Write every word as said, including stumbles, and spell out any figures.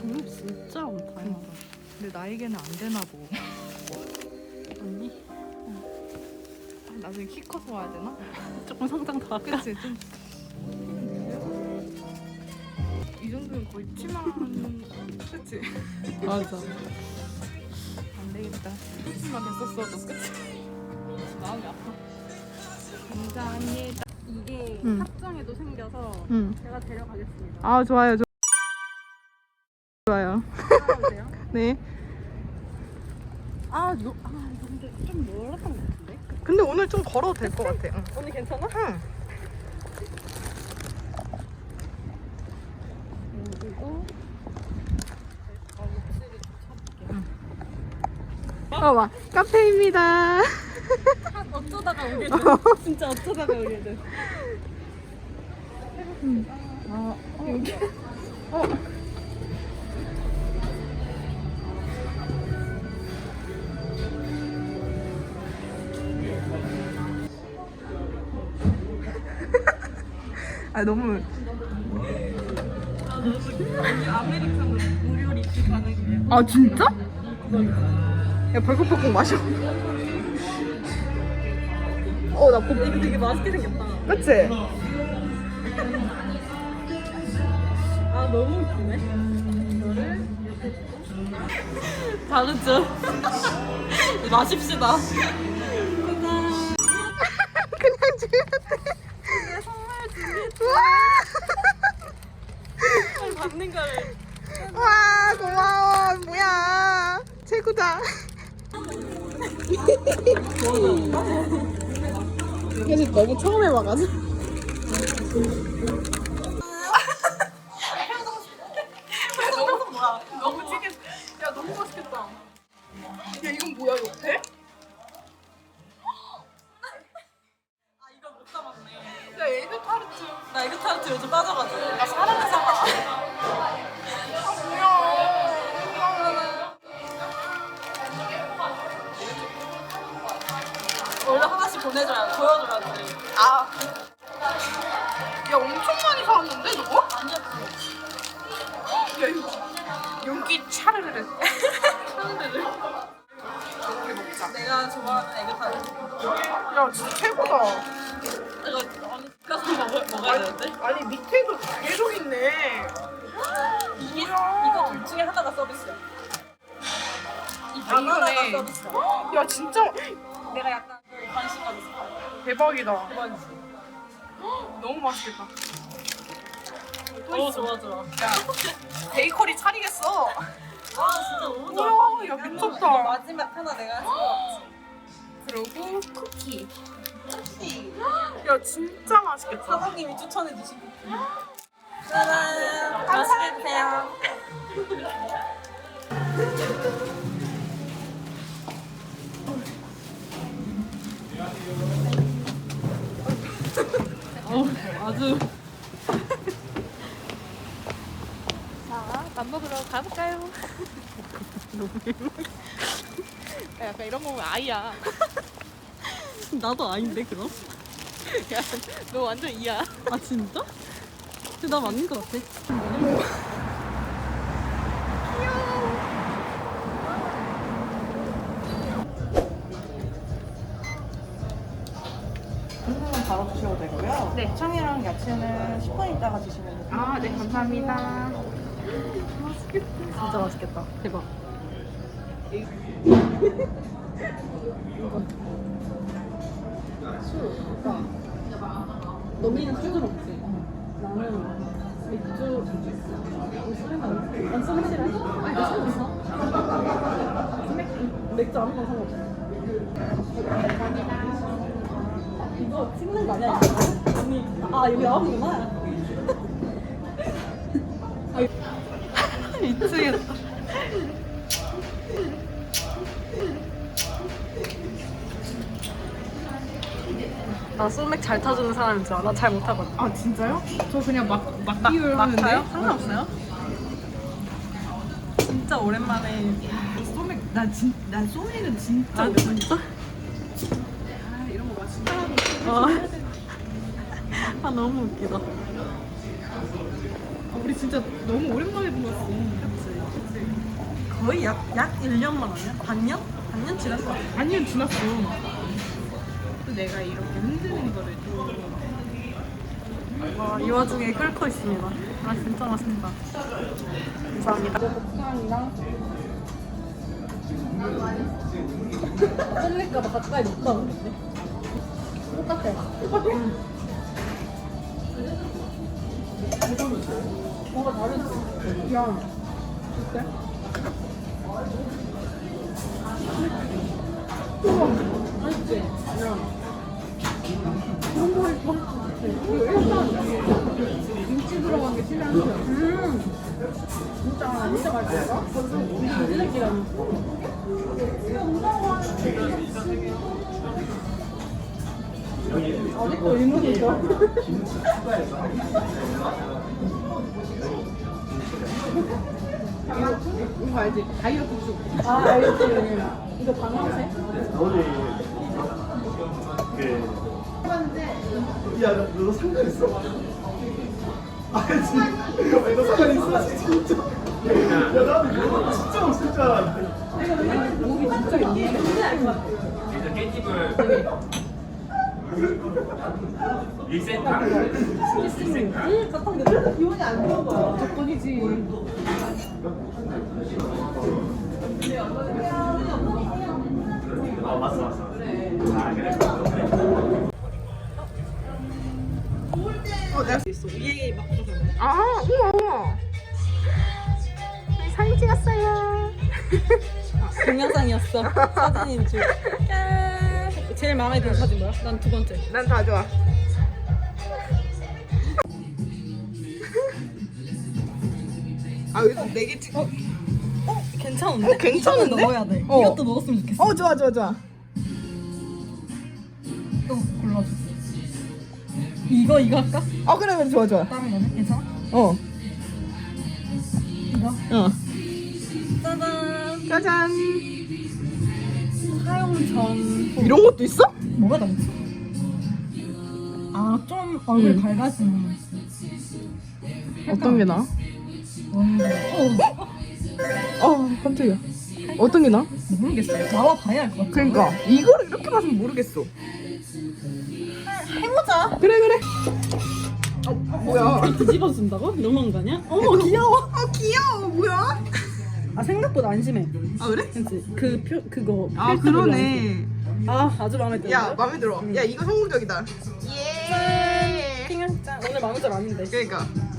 종류 진짜 많다. 응. 근데 나에게는 안 되나 보. 언니? 아, 나중에 키 커서 와야 되나? 조금 성장 더 할까? 그치 좀. 이 정도면 거의 치마. 그치? 맞아. 안 되겠다. 치마 됐었어도 그치? 마음이 아파. 감사합니다. 이게 응. 합정에도 생겨서 응. 제가 데려가겠습니다. 아 좋아요. 좋- 좋아요. 따라오세요. 네. 아, 요, 아, 근데 좀 멀었던 것 같은데? 근데 오늘 좀 걸어도 될 것 같아. 응. 언니 괜찮아? 응. 그리고 아, 목소리 좀 쳐볼게요. 어, 와. 카페입니다. 어쩌다가 오게 돼. 진짜 어쩌다가 오게 돼. 아, 어, 여기. 어. 아 너무 아메리카노 무료 리필 가능해요. 아 진짜? 야 벌컥벌컥 마셔. 어나 복. 이거 되게 맛있게 생겼다. 그치? 아, 너무 웃기네. 이거를 다르죠? 마십시다. 그냥 주면 돼. 내 선물 준비했어. 받는 거를. 와 고마워. 뭐야 최고다. 사실 너무 처음 해봐가지고. 너무 뭐야? 너무 찌개. 야, 너무 맛있겠다. 야 이건 뭐야 옆에? 아, 이거 못 담았네. 야 에그 타르트. 나 이거 타르트 요즘 빠져가지고. 나 사랑하잖아. 원래 하나씩 보내줘야 보여줘야지. 아. 야 엄청 많이 사왔는데 저거? 아니었지. 야 이거 연기 차르르르. 사람들을. 이렇게 먹자. 내가 좋아하는 에그 타르트. 야 진짜 최고다. 이거 언니 가서 먹어 먹어야 되는데. 아니 밑에도 계속 있네. 이게 뭐야. 이거 둘 중에 하나가 서비스야. 이 아, 바나나가 이거네. 서비스야. 야 진짜 내가 약간 관심 가졌어. 대박이다. 대박이지. 너무 맛있겠다. 어, 좋아 좋아. 야 베이커리 차리겠어. 아, 진짜 너무 좋아. 뭐야, 야, 미쳤다. 이거 마지막 하나 내가 했어. 그리고 쿠키. 혹시 야 진짜 맛있겠다. 사장님이 추천해 주신 쿠키. 짜잔. 맛있게 드세요. 어, 아주. 자, 밥 먹으러 가볼까요? 야, 약간 이런 거면 아이야. 나도 아닌데 그럼? 야, 너 완전 이야. 아, 진짜? 근데 나 맞는 것 같아. 한국은 바로 드셔도 되고요. 네. 청이랑 야채는 십 분 있다가 드시면 돼요. 아, 네, 감사합니다. 진짜 맛있겠다. 대박. 술, 오빠. 너미는 술을 먹지? 나는 맥주. 난 소맥 싫어해? 아니, 나 상관없어. 소맥, 맥주 아무거나 상관없어. 이거 찍는 거 아니야? 이거? 언니, 아, 여기 나오는구나. 미치겠다. 나 소맥 잘 타주는 사람인 줄 알아? 나 잘 못하거든. 아, 진짜요? 저 그냥 막, 막 비율 하는데. 막타요? 상관없어요? 진짜 오랜만에. 소맥, 나 진, 나 소맥은 진짜. 아, 진짜? 아, 이런 거 맛있다. 아, 아 너무 웃기다. 아, 우리 진짜 너무 오랜만에 본 것 같아. 그치? 거의 약, 약 일 년만 아니야? 반년? 반년 지난 거 같아. 반년 지났어. 또 내가 이렇게 흔드는 거를 또 와, 이 와중에 끓고 있습니다. 아, 진짜 맛있다. 감사합니다. 곱창이랑 찔릴까봐 가까이 못 가는데. 똑같아. 똑같아? 응. 뭔가 다르지? 야, 어때? 우와, 맛있지? 야. 너무 맛있어. 이거 일단 김치 들어간 게 진짜 맛있어. 음. 진짜, 진짜 맛있어. 이거 찔릴기라는 아직도 의문이죠? 이거 알지? 다이어트 쪽. 아, 알지. 이거 방향새? 너네 그 야, 너, 너 상관 있어? 알지? 아니, 너 상관 있어? 진짜. 야, 나는 이거 진짜 없을 줄 알았는데. 목이 진짜 있네. 근데 알것 같아. 일단 깻잎을 일 센터 응, 같은 게 기분이 안 좋은 거야. 조건이지. 어 맞어 맞어 아 그래 어, 내가 있어. 위에 막 그러잖아. 아, 우와, 우와. 사진 찍었어요. 동영상이었어. 사진인 줄. 짠. 제일 마음에 드는 사진 뭐야? 난 두 번째. 난 다 좋아. 아, 여기서 네개 찍. 어, 어, 괜찮은데? 어, 괜찮은데? 이거는 넣어야 돼. 어. 이것도 넣었으면 좋겠어. 어, 좋아, 좋아, 좋아. 이거 골라줘. 이거 이거 할까? 어, 그래, 그래, 좋아, 좋아. 다른 거는 괜찮아? 어, 이거. 어. 짜잔. 짜잔. 사용 전. 후. 이런 것도 있어? 뭐가 남지? 아, 좀 얼굴 음. 밝아지는. 어떤 게 나아? 원래. 어, 어, 깜짝이야. 어떤 게 나아? 모르겠어. 나와 봐야 알 것 같아. 그러니까 이거를 이렇게 봐서는 모르겠어. 해보자. 그래, 그래. 어, 뭐야? 뒤집어 준다고? 너무한 거 아니야? 어머 귀여워. 어, 귀여워. 뭐야? 아 생각보다 안 심해. 아, 그래? 그치? 그 표, 그거. 아, 필터 별로 안 그러네. 써. 아 아주 마음에 들어. 야, 마음에 들어. 야, 이거 성공적이다. 예. 핑은 짠. 오늘 마음에 들 아닌데. 그러니까.